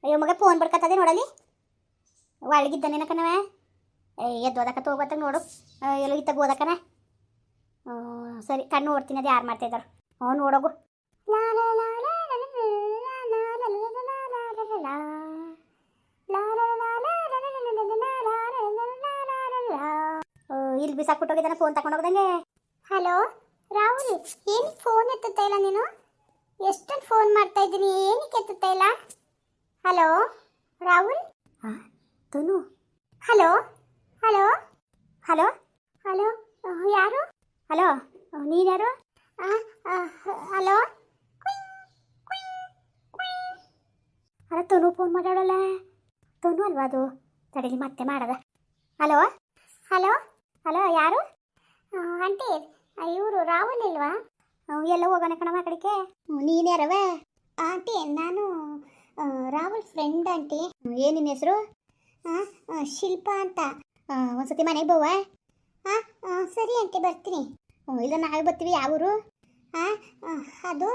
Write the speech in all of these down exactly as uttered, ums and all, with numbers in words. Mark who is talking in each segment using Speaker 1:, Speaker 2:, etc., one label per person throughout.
Speaker 1: ಅಯ್ಯೋ ಮಗ ಫೋನ್ ಬಡ್ಕತ್ತದೆ ನೋಡಲಿ ಒಳಗಿದ್ದಾನೇನ ಕಣವ ಎದ್ದು ಓದಕ್ಕ ತಗೋಬತ್ತಾಗ ನೋಡು ಎಲ್ಲೋ ಇತ್ತಾಗ ಓದಕ್ಕನ ಸರಿ ಕಣ್ಣು ನೋಡ್ತೀನಿ ಅದು ಯಾರು ಮಾಡ್ತಾ ಇದ್ದಾರೆ ಹ್ಞೂ ನೋಡೋಗು ಇಲ್ಲಿ ಬಿಸಾಕ್ಬಿಟ್ಟೋಗಿದ್ದಾನೆ ಫೋನ್ ತಗೊಂಡೋಗ್ದಂಗೆ. ಹಲೋ ರಾಹುಲ್, ಏನಕ್ಕೆ ಫೋನ್ ಎತ್ತುತ್ತಾ ಇಲ್ಲ ನೀನು? ಎಷ್ಟೊಂದು ಫೋನ್ ಮಾಡ್ತಾ ಇದ್ದೀನಿ, ಏನಕ್ಕೆ ಎತ್ತುತ್ತಾ ಇಲ್ಲ? ಹಲೋ ರಾಹುಲ್. ಹಾಂ Tanu. Hello hello hello hello ಯಾರು? ಹಲೋ ನೀನು ಯಾರು? ಹಲೋ ಅಲ್ಲ ತನು ಫೋನ್ ಮಾತಾಡೋಲ್ಲ. ತನು ಅಲ್ವಾ ಅದು? ತಡೀಲಿ ಮತ್ತೆ ಮಾಡದ. ಹಲೋ ಹಲೋ ಹಲೋ ಯಾರು? ಆಂಟಿ ಇವರು ರಾಹುಲ್ ಇಲ್ವಾ? ಎಲ್ಲ ಹೋಗೋಣ ಕಣವ ಕಡೆಗೆ. ನೀನು ಯಾರವ? ಆಂಟಿ ನಾನು ರಾಹುಲ್ ಫ್ರೆಂಡ್ ಆಂಟಿ. ಏನು ನಿನ್ನ ಹೆಸರು? ಹಾಂ ಶಿಲ್ಪಾ ಅಂತ. ಒಂದ್ಸತಿ ಮನೆಗೆ ಬೋವಾ? ಹಾಂ ಸರಿ ಆಂಟಿ ಬರ್ತೀನಿ. ಇಲ್ಲ ನಾಳೆ ಬರ್ತೀವಿ. ಯಾವ ಊರು? ಹಾಂ ಅದು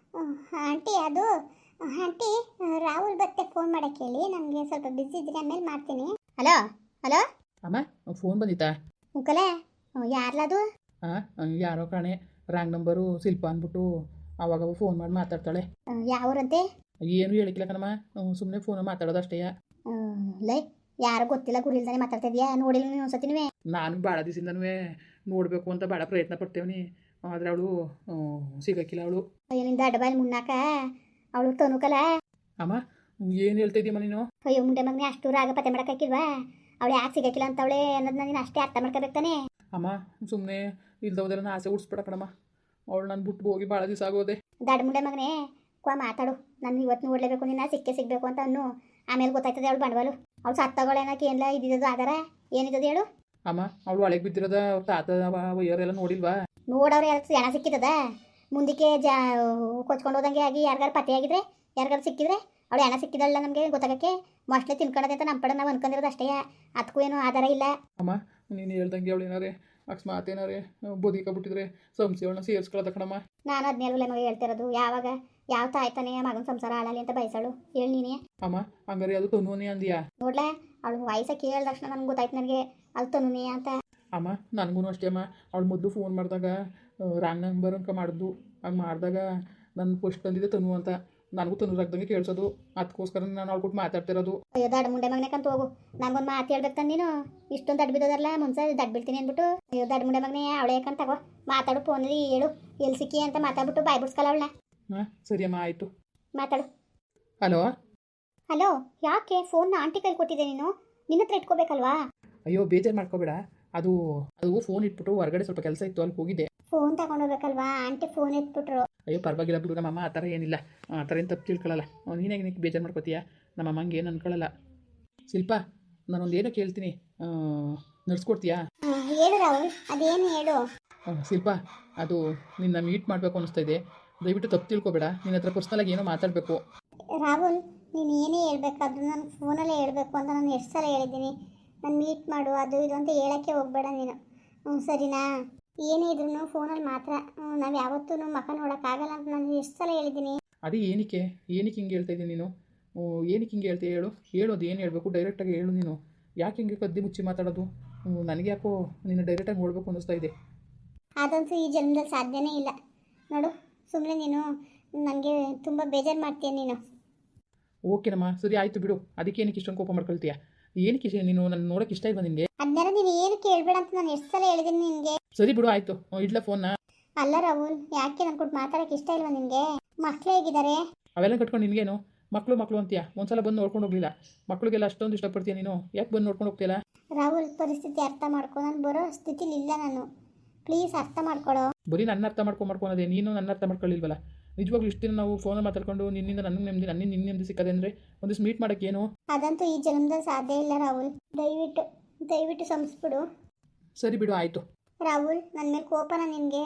Speaker 1: ಆಂಟಿ ಅದು ಆಂಟಿ ರಾಹುಲ್ ಬರ್ತೆ ಫೋನ್ ಮಾಡೋಕ್ಕೆ ಹೇಳಿ, ನನಗೆ ಸ್ವಲ್ಪ ಬಿಸಿ ಇದ್ದೀನಿ, ಆಮೇಲೆ ಮಾಡ್ತೀನಿ. ಹಲೋ ಹಲೋ
Speaker 2: ಅಮ್ಮ ಫೋನ್ ಬಂದಿತ್ತಾ?
Speaker 1: ಉಂಕಲೆ ಯಾರ್ಲದು?
Speaker 2: ಹಾಂ ಯಾರೋ ಕಾಣೆ ರಾಂಗ್ ನಂಬರು ಶಿಲ್ಪ ಅಂದ್ಬಿಟ್ಟು ಅವಾಗ ಫೋನ್ ಮಾಡಿ ಮಾತಾಡ್ತಾಳೆ.
Speaker 1: ಯಾವ್ರಂತೆ?
Speaker 2: ಏನು ಹೇಳಿಕ್ಕಿಲ್ಲ ಕಣಮ್ಮ, ಸುಮ್ಮನೆ ಫೋನ್ ಮಾತಾಡೋದು ಅಷ್ಟೇ.
Speaker 1: ಲೈ ಯಾರು ಗೊತ್ತಿಲ್ಲ ಗುರಿಲ್ದಾನೆ ಮಾತಾಡ್ತಾ ಇದೆಯಾ? ನೋಡಿಲ್ಲ ನೀವು ಒಂದ್ಸತಿ? ನೀವೇ
Speaker 2: ನಾನು ಭಾಳ ದಿವಸದಿಂದನೂ ನೋಡಬೇಕು ಅಂತ ಭಾಳ ಪ್ರಯತ್ನ ಪಡ್ತೇವನಿ, ಆದರೆ ಅವಳು ಸಿಗಕ್ಕಿಲ್ಲ. ಅವಳು
Speaker 1: ಅಯ್ಯೋ ನಿಂದ ಅಡ್ಬಾಯಲ್ಲಿ ಮುನ್ನಾಕ ಅವಳು ತನುಕಲ.
Speaker 2: ಅಮ್ಮ ಏನು ಹೇಳ್ತಾ ಇದೀಯಮ್ಮ ನೀನು?
Speaker 1: ಅಯ್ಯೋ ಮುಂಡೆ ಮಗನೇ ಅಷ್ಟು ರಾಗ ಪತ್ತೆ ಮಾಡೋಕ್ಕಾಕಿಲ್ವಾ? ಅವಳು ಯಾಕೆ ಸಿಗಕ್ಕಿಲ್ಲ ಅಂತ ಅವಳೆ ಅನ್ನೋದನ್ನ ನೀನು ಅಷ್ಟೇ ಅರ್ಥ ಮಾಡ್ಕೋಬೇಕಾನೆ.
Speaker 2: ಅಮ್ಮ ಸುಮ್ಮನೆ ಇಲ್ದೋದೆಲ್ಲ ಆಸೆ ಉಡ್ಸ್ಬೇಡ ಕಣಮ್ಮ. ಅವಳು ನಾನು ಬಿಟ್ಟು ಹೋಗಿ ಭಾಳ ದಿವಸ ಆಗೋದೆ.
Speaker 1: ದಡ್ ಮುಂಡೆ ಮಗನೇ ಕ್ವಾ ಮಾತಾಡು. ನಾನು ಇವತ್ತು ನೋಡಲೇಬೇಕು, ನಿನ್ನ ಸಿಕ್ಕೇ ಸಿಗಬೇಕು ಅಂತ ಅನ್ನು. ಆಮೇಲೆ ಗೊತ್ತಾಯ್ತದೆ ಅವಳು ಬಂಡವಾಳು. ಅವಳು ಸತ್ತಗಳೇನಕ್ಕೆ ಏನಿಲ್ಲ ಇದ್ದಿದ್ದು ಆಧಾರ ಏನಿದ್ದದು ಹೇಳು?
Speaker 2: ಅಮ್ಮ ಅವಳು ಒಳಗೆ ಬಿದ್ದಿರೋದ ಅವ್ರ ತಾತ ವಯ್ಯರೆಲ್ಲ ನೋಡಿಲ್ವಾ?
Speaker 1: ನೋಡವ್ರೆ ಯಾರು ಜನ ಸಿಕ್ಕಿದ್ದದ ಮುಂದಕ್ಕೆ ಜಾ ಕೊಚ್ಕೊಂಡು ಹೋದಂಗೆ ಆಗಿ ಯಾರಿಗಾರು ಪತ್ತೆ ಆಗಿದ್ರೆ ಯಾರಿಗಾರು ಸಿಕ್ಕಿದ್ರೆ ಅವಳು ಹೆಣ ಸಿಕ್ಕಿದಲ್ಲ ನಮಗೆ ಗೊತ್ತಾಗಕ್ಕೆ ಮೋಸ್ಟ್ಲಿ ತಿನ್ಕೊಳ್ಳೋದೆ ಅಂತ ನಮ್ಮ ಕಡೆ ನಾವು ಅನ್ಕೊಂಡಿರೋದು ಅಷ್ಟೇ. ಅದಕ್ಕೂ ಏನೂ ಆಧಾರ ಇಲ್ಲ.
Speaker 2: ಅಮ್ಮ ನೀನು ಹೇಳ್ದಂಗೆ ಅವಳು ಏನಾರೇ ಅಕಸ್ಮಾತ್ ಏನಾರೇ ಬದುಕಬಿಟ್ಟಿದ್ರೆ ಸಂಸ್ಥೆ ಅವಳನ್ನ ಸೇರಿಸ್ಕೊಳ್ಳೋದ ಕಣಮ್ಮ.
Speaker 1: ನಾನು ಹದಿನೇಳು ಮಗ ಹೇಳ್ತಿರೋದು. ಯಾವಾಗ ಯಾವ ತಾಯ್ತಾನೆ ಮಗನ ಸಂಸಾರ ಹಾಳಲಿ ಅಂತ ಬಯಸಳು ಹೇಳಿ ನೀನೇ.
Speaker 2: ಅಮ್ಮ ಹಂಗಾರೆ ಅದು ತನುನೇ ಅಂದಿಯಾ?
Speaker 1: ನೋಡ್ಲಾ ಅವಳು ವಯಸ್ಸ ಕೇಳಿದ ತಕ್ಷಣ ನನ್ಗೆ ಗೊತ್ತಾಯ್ತು ನನಗೆ ಅಲ್ಲಿ ತನುನೇ ಅಂತ.
Speaker 2: ಅಮ್ಮ ನನಗೂ ಅಷ್ಟೇ ಅಮ್ಮ. ಅವಳು ಮೊದಲು ಫೋನ್ ಮಾಡಿದಾಗ ರಾಂಗ್ ನಂಬರ್ ಅನ್ಕ ಮಾಡಿದ್ದು. ಹಂಗೆ ಮಾಡಿದಾಗ ನನ್ನ ಫಸ್ಟ್ ಬಂದಿದೆ ತನು ಅಂತ, ನನಗೂ ತನು ರಾಗ್ದಂಗೆ ಕೇಳಿಸೋದು. ಅದಕ್ಕೋಸ್ಕರ ನಾನು ಅವ್ಳು ಕೊಟ್ಟು ಮಾತಾಡ್ತಿರೋದು. ಅಯ್ಯೋ
Speaker 1: ದಡ್ ಮುಂಡೆ ಮಗನೇ ಕಂತ ಹೋಗು, ನನಗೊಂದು ಮಾತು ಹೇಳ್ಬೇಕು ನೀನು. ಇಷ್ಟೊಂದು ದಡ್ ಬಿದ್ದೋದಲ್ಲ ಮುಂಚೆ ದಡ್ ಬೀಳ್ತೀನಿ ಅಂದ್ಬಿಟ್ಟು. ಅಯ್ಯೋ ದಡ್ ಮುಂಡೆ ಮಗನೇ ಅವಳೇ ಕಂತ ತಗೋ ಮಾತಾಡು. ಫೋನಲ್ಲಿ ಹೇಳು ಎಲ್ಲಿ ಸಿಕ್ಕಿ ಅಂತ ಮಾತಾಡ್ಬಿಟ್ಟು ಬಾಯ್ ಬಿಡ್ಸ್ಕಲ್ಲ ಅವಳನ್ನ.
Speaker 2: ಹಾಂ ಸರಿ ಅಮ್ಮ ಆಯಿತು,
Speaker 1: ಮಾತಾಡು.
Speaker 2: ಹಲೋ
Speaker 1: ಹಲೋ ಯಾಕೆ ಫೋನ್ನ ಆಂಟಿ ಕೈಲಿ ಕೊಟ್ಟಿದ್ದೆ ನೀನು? ನಿನ್ನ ಹತ್ರ ಇಟ್ಕೋಬೇಕಲ್ವಾ?
Speaker 2: ಅಯ್ಯೋ ಬೇಜಾರು ಮಾಡ್ಕೋಬೇಡ, ಅದು ಅದು ಫೋನ್ ಇಟ್ಬಿಟ್ಟು ಹೊರಗಡೆ ಸ್ವಲ್ಪ ಕೆಲಸ ಇತ್ತು, ಅಲ್ಲಿ ಹೋಗಿದ್ದೆ.
Speaker 1: ಫೋನ್ ತಗೊಂಡೋಗ್ಬೇಕಲ್ವಾ? ಆಂಟಿ ಫೋನ್ ಎತ್ಬಿಟ್ರು.
Speaker 2: ಅಯ್ಯೋ ಪರವಾಗಿಲ್ಲ ಬಿಡು, ನಮ್ಮಮ್ಮ ಆ ಥರ ಏನಿಲ್ಲ, ಆ ಥರ ಏನು ತಪ್ಪು ತಿಳ್ಕೊಳ್ಳಲ್ಲ. ನೀನಾಗಿ ನಿನಗೆ ಬೇಜಾರು ಮಾಡ್ಕೋತೀಯ, ನಮ್ಮಮ್ಮಂಗೆ ಏನು ಅನ್ಕೊಳ್ಳಲ್ಲ. ಶಿಲ್ಪ ನಾನೊಂದು ಏನೋ ಕೇಳ್ತೀನಿ, ನಡ್ಸ್ಕೊಡ್ತೀಯಾ?
Speaker 1: ಹೇಳು ರಾಹುಲ್, ಅದೇನು ಹೇಳು.
Speaker 2: ಶಿಲ್ಪ ಅದು ನಿನ್ನ ಮೀಟ್ ಮಾಡಬೇಕು ಅನ್ನಿಸ್ತಾ ಇದೆ, ದಯವಿಟ್ಟು ತಪ್ಪು ತಿಳ್ಕೊಬೇಡ. ನಿನ್ನ ಹತ್ರ ಪರ್ಸ್ನಲಾಗಿ ಏನೋ ಮಾತಾಡಬೇಕು.
Speaker 1: ರಾಹುಲ್ ನೀನು ಏನೇ ಹೇಳ್ಬೇಕಾದ್ರೂ ನಾನು ಫೋನಲ್ಲೇ ಹೇಳಬೇಕು ಅಂತ ನಾನು ಎಷ್ಟು ಸಲ ಹೇಳಿದ್ದೀನಿ. ನಾನು ಮೀಟ್ ಮಾಡು ಅದು ಇದು ಅಂತ ಹೇಳೋಕ್ಕೆ ಹೋಗಬೇಡ ನೀನು, ಹ್ಞೂ ಸರಿನಾ? ಏನೇ ಇದ್ರೂ ಫೋನಲ್ಲಿ ಮಾತ್ರ, ನಾವು ಯಾವತ್ತೂ ಮುಖ ನೋಡೋಕ್ಕಾಗಲ್ಲ ಅಂತ ನಾನು ಎಷ್ಟು ಸಲ ಹೇಳಿದ್ದೀನಿ.
Speaker 2: ಅದೇ ಏನಕ್ಕೆ ಏನಕ್ಕೆ ಹಿಂಗೆ ಹೇಳ್ತಾ ಇದ್ದೀನಿ ನೀನು? ಏನಕ್ಕೆ ಹಿಂಗೆ ಹೇಳ್ತೀಯ ಹೇಳು? ಹೇಳೋದು ಏನು ಹೇಳಬೇಕು ಡೈರೆಕ್ಟಾಗಿ ಹೇಳು. ನೀನು ಯಾಕೆ ಹಿಂಗೆ ಕದ್ದಿ ಮುಚ್ಚಿ ಮಾತಾಡೋದು? ನನಗೆ ಯಾಕೋ ನೀನು ಡೈರೆಕ್ಟಾಗಿ ನೋಡಬೇಕು ಅನ್ನಿಸ್ತಾ ಇದೆ.
Speaker 1: ಅದಂತೂ ಈ ಜನ್ಮದಲ್ಲಿ ಸಾಧ್ಯನೇ ಇಲ್ಲ ನೋಡು. ಸುಮ್ಮನೆ ನೀನು ನನಗೆ ತುಂಬ ಬೇಜಾರು ಮಾಡ್ತೀಯ ನೀನು.
Speaker 2: ಓಕೆನಮ್ಮ ಸರಿ ಆಯಿತು ಬಿಡು, ಅದಕ್ಕೆ ಏನಕ್ಕೆ ಇಷ್ಟೊಂದು ಕೋಪ ಮಾಡ್ಕೊಳ್ತೀಯ? ಏನಕ್ಕೆ ಇಷ್ಟ ನೀನು ನನ್ನ ನೋಡೋಕೆ ಇಷ್ಟ ಇಲ್ವಾ ನಿನಗೆ?
Speaker 1: ಅದನ್ನೆಲ್ಲ ನೀನು ಏನು ಕೇಳಬೇಡ ಅಂತ ನಾನು ಎಷ್ಟು ಸಲ ಹೇಳಿದ್ದೀನಿ ನಿನಗೆ.
Speaker 2: ಸರಿ ಬಿಡು ಆಯಿತು, ಇಡ್ಲ ಫೋನ್ನ.
Speaker 1: ಅಲ್ಲ ರಾಹುಲ್ ಯಾಕೆ ನನ್ನ ಕೊಟ್ಟು ಮಾತಾಡೋಕ್ಕೆ ಇಷ್ಟ ಇಲ್ವಾ ನಿನಗೆ? ಮಕ್ಕಳು ಹೇಗಿದ್ದಾರೆ?
Speaker 2: ಅವೆಲ್ಲ ಕಟ್ಕೊಂಡು ನಿನಗೇನು ಮಕ್ಕಳು ಮಕ್ಕಳು ಅಂತೀಯ? ಒಂದ್ಸಲ ಬಂದು ನೋಡ್ಕೊಂಡು ಹೋಗಲಿಲ್ಲ? ಮಕ್ಕಳಿಗೆಲ್ಲ ಅಷ್ಟೊಂದು ಇಷ್ಟಪಡ್ತೀಯ ನೀನು, ಯಾಕೆ ಬಂದು ನೋಡ್ಕೊಂಡು ಹೋಗ್ತೀಯಲ್ಲ?
Speaker 1: ರಾಹುಲ್ ಪರಿಸ್ಥಿತಿ ಅರ್ಥ ಮಾಡ್ಕೊ, ನಾನು ಬರೋ ಸ್ಥಿತಿಲಿ ಇಲ್ಲ ನಾನು, ಪ್ಲೀಸ್ ಅರ್ಥ ಮಾಡ್ಕೊಳೋ.
Speaker 2: ಬರೀ ನನ್ನ ಅರ್ಥ ಮಾಡ್ಕೊಂಡು ಮಾಡ್ಕೊಳೋದೇ, ನೀನು ನನ್ನ ಅರ್ಥ ಮಾಡ್ಕೊಳ್ಳಿಲ್ವಲ್ಲ? ನಿಜವಾಗ್ಲೂ ಇಷ್ಟು ದಿನ ನಾವು ಫೋನಲ್ಲಿ ಮಾತಾಡ್ಕೊಂಡು ನಿನ್ನಿಂದ ನನಗೆ ನೆಮ್ಮದಿ, ನನ್ನಿಂದ ನಿನ್ನ ನೆಮ್ಮದಿ ಸಿಕ್ಕದೆ ಅಂದರೆ ಒಂದಿಷ್ಟು ಮೀಟ್ ಮಾಡೋಕ್ಕೇನು?
Speaker 1: ಅದಂತೂ ಈ ಜನ್ಮದಲ್ಲಿ ಸಾಧ್ಯ ಇಲ್ಲ ರಾಹುಲ್, ದಯವಿಟ್ಟು ದಯವಿಟ್ಟು ಸಂಸ್ಬಿಡು.
Speaker 2: ಸರಿ ಬಿಡು ಆಯಿತು.
Speaker 1: ರಾಹುಲ್ ನನ್ನ ಮೇಲೆ ಕೋಪನ ನಿನಗೆ?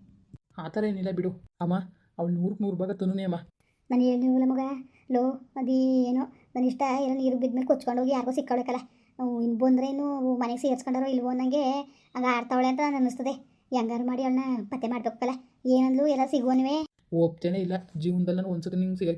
Speaker 2: ಆ ಥರ ಏನಿಲ್ಲ ಬಿಡು ಅಮ್ಮ, ಅವಳು ನೂರಕ್ಕೆ ನೂರು ಭಾಗ ತನುನೇ ಅಮ್ಮ.
Speaker 1: ನಾನು ಹೇಳಿಲ್ಲ ಮಗ, ಲೋ ಅದೇನೋ ನನ್ನ ಇಷ್ಟ ಏನೋ ನೀರು ಬಿದ್ಮೇಲೆ ಕೊಚ್ಕೊಂಡು ಹೋಗಿ ಯಾರಿಗೋ ಸಿಕ್ಕೊಳಕಲ್ಲ, ಇನ್ನು ಬಂದರೆ ಇನ್ನು ಮನೆಗೆ ಸೇರಿಸ್ಕೊಂಡಾರೋ ಇಲ್ವೋ ನನಗೆ ಹಂಗೆ ಆಡ್ತಾವಳೆ ಅಂತ ನಾನು ಅನ್ನಿಸ್ತದೆ. ಹೆಂಗಾರು ಮಾಡಿ ಅವಳನ್ನ ಪತ್ತೆ ಮಾಡ್ಬೇಕಲ್ಲ. ಏನಂದ್ಲು ಎಲ್ಲ ಸಿಗುವನುವೆ
Speaker 2: ಒಪ್ತೇನೆ ಇಲ್ಲ, ಜೀವನದಲ್ಲಿ ನಾನು ಒಂದ್ಸತಿ ನಿಂಗೆ ಸಿಗೋಕ್ಕಿಲ್ಲ,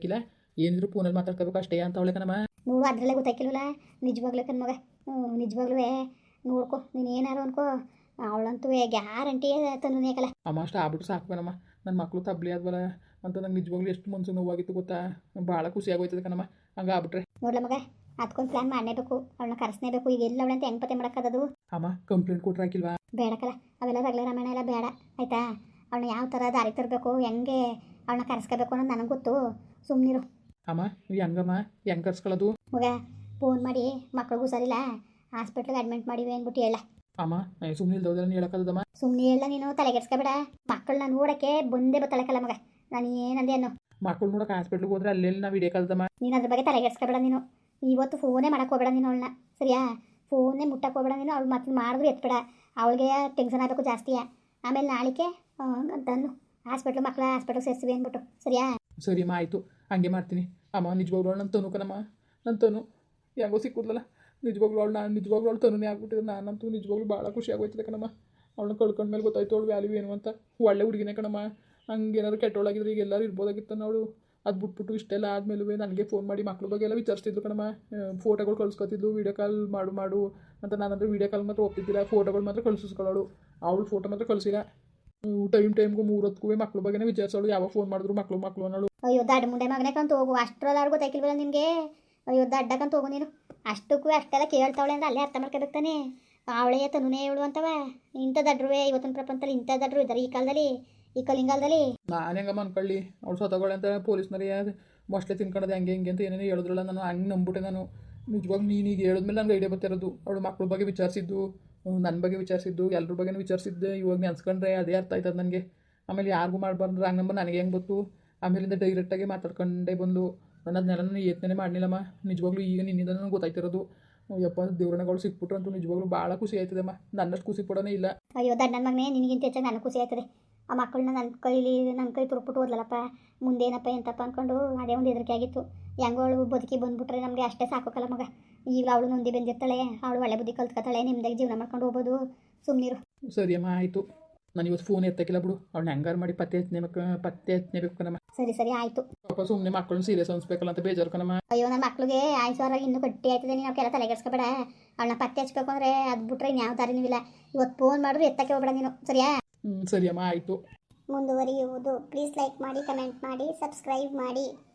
Speaker 2: ಏನಿದ್ರು ಫೋನಲ್ಲಿ ಮಾತಾಡ್ಕೋಬೇಕು ಅಷ್ಟೇ ಅಂತ ಅವಳೆ ಕಣಮ್ಮ.
Speaker 1: ನೋಡು ಅದರಲ್ಲೇ ಗೊತ್ತಾಯ್ಕಿಲ್ವಲ್ಲ ನಿಜವಾಗ್ಲೂ ಕಣ್ ಮಗ. ಹ್ಞೂ ನಿಜವಾಗ್ಲೂ ನೋಡ್ಕೊ ನೀನು ಏನಾರು ಅನ್ಕೋ, ಅವಳಂತೂ ಗ್ಯಾರಂಟಿ ತಂದುನೇಕಲ್ಲ.
Speaker 2: ಅಮ್ಮ ಅಷ್ಟು ಆಗ್ಬಿಟ್ಟು ಸಾಕು ಕಣಮ್ಮ. ನನ್ನ ಮಕ್ಕಳು ತಬ್ಲಿ ಆದ್ವಲ್ಲ ಅಂತ ನಂಗೆ ನಿಜವಾಗ್ಲೂ ಎಷ್ಟು ಮನ್ಸು ನೋವಾಗಿತ್ತು ಗೊತ್ತಾ. ಭಾಳ ಖುಷಿ ಆಗೋಯ್ತದೆ ಕಣಮ್ಮ ಹಂಗೆ ಆಗ್ಬಿಟ್ರೆ.
Speaker 1: ನೋಡ್ಲ ಮಗ, ಅದಕ್ಕೊಂದು ಪ್ಲ್ಯಾನ್ ಮಾಡಲೇಬೇಕು, ಅವಳನ್ನ ಕರೆಸಲೇಬೇಕು. ಈಗ ಎಲ್ಲ ಅವಳಂತ ಹೆಂಗೆ ಪತ್ತೆ ಮಾಡೋಕ್ಕದು.
Speaker 2: ಅಮ್ಮ ಕಂಪ್ಲೇಂಟ್ ಕೊಟ್ರೆ ಹಾಕಿಲ್ವಾ?
Speaker 1: ಬೇಡಕ್ಕಲ್ಲ, ಅವೆಲ್ಲ ರಗಳೆ ರಾಮಾಯಣ ಎಲ್ಲ ಬೇಡ ಆಯಿತಾ. ಅವಳನ್ನ ಯಾವ ಥರ ದಾರಿ ತರಬೇಕು, ಹೆಂಗೆ ಅವಳನ್ನ ಕರೆಸ್ಕೋಬೇಕು ಅನ್ನೋದು ನನಗೆ ಗೊತ್ತು. ಸುಮ್ಮನಿರು
Speaker 2: ಅಮ್ಮ. ಹೆಂಗಮ್ಮ ಹೆಂಗೆ ಕರ್ಸ್ಕೊಳ್ಳೋದು?
Speaker 1: ಮಗ ಫೋನ್ ಮಾಡಿ ಮಕ್ಳಿಗೂ ಸರಿಲ್ಲ ಹಾಸ್ಪಿಟ್ಲಿಗೆ ಅಡ್ಮಿಟ್ ಮಾಡಿವಿ ಅಂದ್ಬಿಟ್ಟು ಹೇಳ.
Speaker 2: ಅಮ್ಮ ಸುಮ್ಮನೆ ಇಲ್ದೋದ್ರೆ ಹೇಳಕ್ಕದಮ್ಮ.
Speaker 1: ಸುಮ್ಮನೆ ಹೇಳ ನೀನು, ತಲೆಗೆಡ್ಸ್ಕೊಬೇಡ. ಮಕ್ಕಳನ್ನ ನೋಡೋಕ್ಕೆ ಬಂದೇ ಬತ್ತಳಕ್ಕಲ್ಲ ಮಗ. ನಾನು ಏನಂದೆ ಅನ್ನೋ,
Speaker 2: ಮಕ್ಕಳು ನೋಡೋಕೆ ಹಾಸ್ಪಿಟ್ಲಿಗೆ ಹೋದ್ರೆ ಅಲ್ಲೆಲ್ಲಿ ನಾವು ವಿಡಿಯೋ ಕಲ್ದಮ್ಮ.
Speaker 1: ನೀನು ಅದ್ರ ಬಗ್ಗೆ ತಲೆಗೆಡ್ಸ್ಕೊಬೇಡ. ನೀನು ಇವತ್ತು ಫೋನೇ ಮಾಡಕ್ಕೆ ಹೋಗಬೇಡ ನೀನು ಅವಳನ್ನ, ಸರಿಯಾ? ಫೋನೇ ಮುಟ್ಟಕ್ಕೆ ಹೋಗಬೇಡ ನೀನು. ಅವಳು ಮತ್ತೆ ಮಾಡಿದ್ರು ಎತ್ಬೇಡ, ಅವಳಿಗೆ ಟೆನ್ಷನ್ ಆಗಬೇಕು ಜಾಸ್ತಿಯಾ. ಆಮೇಲೆ ನಾಳಿಕೆ ಅಂತಂದು ಹಾಸ್ಪಿಟ್ಲು ಮಕ್ಕಳ ಹಾಸ್ಪಿಟ್ಲಿಗೆ ಸೇರಿಸ್ವಿ ಅಂದ್ಬಿಟ್ಟು, ಸರಿಯಾ?
Speaker 2: ಸರಿ ಅಮ್ಮ ಆಯಿತು, ಹಂಗೆ ಮಾಡ್ತೀನಿ. ಅಮ್ಮ ನಿಜವಾಗ್ಲೂ ನನ್ನ ತನು ಕಣಮ್ಮ, ನನ್ನ ತನು ಹೆಂಗೋ ಸಿಕ್ಕುದ್ಲಲ್ಲ. ನಿಜವಾಗ್ಲೂ ಅವಳು ನಾನು ನಿಜವಾಗ್ಲೂ ಅವಳು ತನುನೇ ಆಗ್ಬಿಟ್ಟಿದೆ. ನಾನಂತೂ ನಿಜವಾಗ್ಲೂ ಭಾಳ ಖುಷಿ ಆಗೋಯ್ತದೆ ಕಣಮ್ಮ. ಅವಳನ್ನ ಕಳ್ಕೊಂಡ್ಮೇಲೆ ಗೊತ್ತಾಯ್ತು ಅವಳು ವ್ಯಾಲ್ಯೂ ಏನು ಅಂತ. ಒಳ್ಳೆ ಹುಡುಗಿನೇ ಕಣಮ್ಮ. ಹಂಗೇನಾದ್ರು ಕೆಟ್ಟವಳಾಗಿದ್ರೆ ಈಗ ಎಲ್ಲರೂ ಇರ್ಬೋದಾಗಿತ್ತು ಅವಳು. ಅದು ಬಿಟ್ಬಿಟ್ಟು ಇಷ್ಟೆಲ್ಲ ಆದಮೇಲೂ ನನಗೆ ಫೋನ್ ಮಾಡಿ ಮಕ್ಳ ಬಗ್ಗೆ ಎಲ್ಲ ವಿಚಾರಿಸ್ತಿದ್ಲು ಕಣಮ್ಮ. ಫೋಟೋಗಳು ಕಳ್ಸ್ಕೊತಿದ್ಲು, ವೀಡಿಯೋ ಕಾಲ್ ಮಾಡು ಮಾಡು ಅಂತ. ನಾನಂದ್ರೆ ವೀಡಿಯೋ ಕಾಲ್ ಮಾತ್ರ ಒಪ್ತಿದ್ದಿಲ್ಲ, ಫೋಟೋಗಳು ಮಾತ್ರ ಕಳ್ಸಿಸ್ಕೊಳ್ಳೋಳು. ಅವಳು ಫೋಟೋ ಮಾತ್ರ ಕಳಿಸಿಲ್ಲ. ಟೈಮ್ ಟೈಮ್ಗೂ ಮೂರೊತ್ತಿಗೂ ಮಕ್ಳ ಬಗ್ಗೆನೇ ವಿಚಾರಿಸೋಳು. ಯಾವಾಗ ಫೋನ್ ಮಾಡಿದ್ರು ಮಕ್ಕಳು ಮಕ್ಕಳು ಅನ್ನೋಳು.
Speaker 1: ಅಯ್ಯೋ ದಡ್ಡ ಮುಂಡೆ ಮಗನೇ ಕಂತ ಹೋಗು, ಅಷ್ಟರಲ್ಲಿ ಅವ್ರು ಗೊತ್ತಾಯ್ಕಿಲ್ವಲ್ಲ ನಿನಗೆ. ಅಯ್ಯೋ ದಡ್ಡಕ್ಕಂತ ಹೋಗು ನೀನು. ಅಷ್ಟಕ್ಕೂ ಅಷ್ಟೆಲ್ಲ ಕೇಳ್ತಾವಳೆ ಅಂದ್ರೆ ಅಲ್ಲೇ ಅರ್ಥ ಮಾಡ್ಕೋಬೇಕು ತಾನೆ. ಅವಳೇ ತನುನೇ ಇವಳು ಅಂತವ. ಇಂಥ ದಡ್ರುವೆ ಇವತ್ತಿನ ಪ್ರಪಂಚದಲ್ಲಿ ಇಂಥ ದಡ್ರು ಇದ್ದಾರೆ ಈ ಕಾಲದಲ್ಲಿ, ಈ ಕಲಿಂಗಾಲದಲ್ಲಿ.
Speaker 2: ನಾನು ಹೆಂಗಮ್ಮ ಅನ್ಕೊಳ್ಳಿ, ಅವಳು ಸತ್ತೋಳೆ ಅಂತ ಪೊಲೀಸ್ನರಿಗೆ ಮೊಸ್ಲೆ ತಿನ್ಕೊಳ್ಳೋದು ಹೆಂಗೆ ಹಿಂಗೆ ಅಂತ ಏನೇನೋ ಹೇಳಿದ್ರಲ್ಲ. ನಾನು ಹಂಗೆ ನಂಬಿಟ್ಟೆ ನಾನು. ನಿಜವಾಗ ನೀನೀಗ ಹೇಳಿದ್ಮೇಲೆ ನನಗೆ ಐಡಿಯಾ ಬರ್ತಿರೋದು. ಅವಳು ಮಕ್ಳ ಬಗ್ಗೆ ವಿಚಾರಿಸಿದ್ದು, ನನ್ನ ಬಗ್ಗೆ ವಿಚಾರಿಸಿದ್ದು, ಎಲ್ಲರ ಬಗ್ಗೆನೂ ವಿಚಾರಿಸಿದ್ದೆ. ಇವಾಗ ನೆನ್ಸ್ಕೊಂಡ್ರೆ ಅದೇ ಅರ್ಥ ಆಯ್ತದ ನನಗೆ. ಆಮೇಲೆ ಯಾರಿಗೂ ಮಾಡಬಾರ್ದು ರಾಂಗ್ ನಂಬರ್ ನನಗೆ ಹೆಂಗೆ ಗೊತ್ತು. ಆಮೇಲಿಂದ ಡೈರೆಕ್ಟಾಗಿ ಮಾತಾಡ್ಕೊಂಡೇ ಬಂದು ನಾನು ಅದನ್ನೆಲ್ಲ ನಾನು ಯತ್ನೇ ಮಾಡಲಿಲ್ಲಮ್ಮ. ನಿಜವಾಗ್ಲೂ ಈಗ ನಿನ್ನಿಂದ ನನಗೆ ಗೊತ್ತಾಯ್ತಿರೋದು. ಯಪ್ಪ ದೇವ್ರಣಗಳು ಸಿಕ್ಬಿಟ್ರು ಅಂತೂ ನಿಜವಾಗ್ಲೂ ಭಾಳ ಖುಷಿ ಆಯ್ತದಮ್ಮ. ನನ್ನಷ್ಟು ಖುಷಿ ಪಡೋನೇ ಇಲ್ಲ.
Speaker 1: ಅಯ್ಯೋ ದಡ್ಡ ನನ್ನ ಮಗನೇ, ನಿನಗಿಂತ ಹೆಚ್ಚಾಗಿ ನನಗೆ ಖುಷಿ ಆಯ್ತದೆ. ಆ ಮಕ್ಕಳನ್ನ ನನ್ನ ಕೈಲಿ ನನ್ನ ಕೈ ತುರುಕ್ಬಿಟ್ಟು ಹೋದ್ಲಲ್ಲಪ್ಪ. ಮುಂದೇನಪ್ಪ ಎಂತಪ್ಪ ಅಂದ್ಕೊಂಡು ಅದೇ ಒಂದು ಹೆದರಿಕೆ ಆಗಿತ್ತು. ಹೆಂಗೋ ಅವಳು ಬದುಕಿ ಬಂದುಬಿಟ್ರೆ ನಮಗೆ ಅಷ್ಟೇ ಸಾಕೋಕ್ಕಲ್ಲ ಮಗ. ಈಗ ಅವಳು ನೊಂದಿ ಬಂದಿರ್ತಾಳೆ, ಅವಳು ಒಳ್ಳೆ ಬುದ್ಧಿ ಕಲ್ತ್ಕೊತಾಳೆ, ನಿಮ್ದಾಗಿ ಜೀವನ ಮಾಡ್ಕೊಂಡು ಹೋಗ್ಬೋದು. ಸುಮ್ಮನಿರು.
Speaker 2: ಸರಿ ಅಮ್ಮ ಆಯಿತು. ನಾನು ಇವತ್ತು ಫೋನ್ ಎತ್ತಕ್ಕಿಲ್ಲ ಬಿಡು. ಅವ್ಳನ್ನ ಹೆಂಗಾರು ಮಾಡಿ ಪತ್ತೆ ಹಚ್ಚನೇಬೇಕು ಪತ್ತೆ ಹಚ್ಚನೇಬೇಕು ಕಣಮ್ಮ.
Speaker 1: ಸರಿ ಸರಿ ಆಯಿತು.
Speaker 2: ಪಾಪ ಸುಮ್ಮನೆ ಮಕ್ಕಳನ್ನ ಸೀರಿಯಸ್ ಅನ್ಸ್ಬೇಕಲ್ಲ ಅಂತ ಬೇಜಾರು ಕಣಮ್ಮ.
Speaker 1: ಅಯ್ಯೋ ನನ್ನ ಮಕ್ಳಿಗೆ ಆಯ್ಸೋರಾಗಿ ಇನ್ನೂ ಗಟ್ಟಿ ಆಯ್ತದೆ. ನೀನು ಅವಕ್ಕೆಲ್ಲ ತಲೆಗೆಡ್ಸ್ಕೊಬೇಡ. ಅವಳನ್ನ ಪತ್ತೆ ಹಚ್ಬೇಕು ಅಂದರೆ ಅದು ಬಿಟ್ರೆ ಇನ್ಯಾವ ದಾರಿನೂ ಇಲ್ಲ. ಇವತ್ತು ಫೋನ್ ಮಾಡಿದ್ರು ಎತ್ತಕ್ಕೆ ಹೋಗ್ಬೇಡ ನೀನು, ಸರಿಯಾ?
Speaker 2: ಹ್ಞೂ ಸರಿ ಅಮ್ಮ ಆಯಿತು.
Speaker 1: ಮುಂದುವರಿಯುವುದು. ಪ್ಲೀಸ್ ಲೈಕ್ ಮಾಡಿ, ಕಮೆಂಟ್ ಮಾಡಿ, ಸಬ್ಸ್ಕ್ರೈಬ್ ಮಾಡಿ.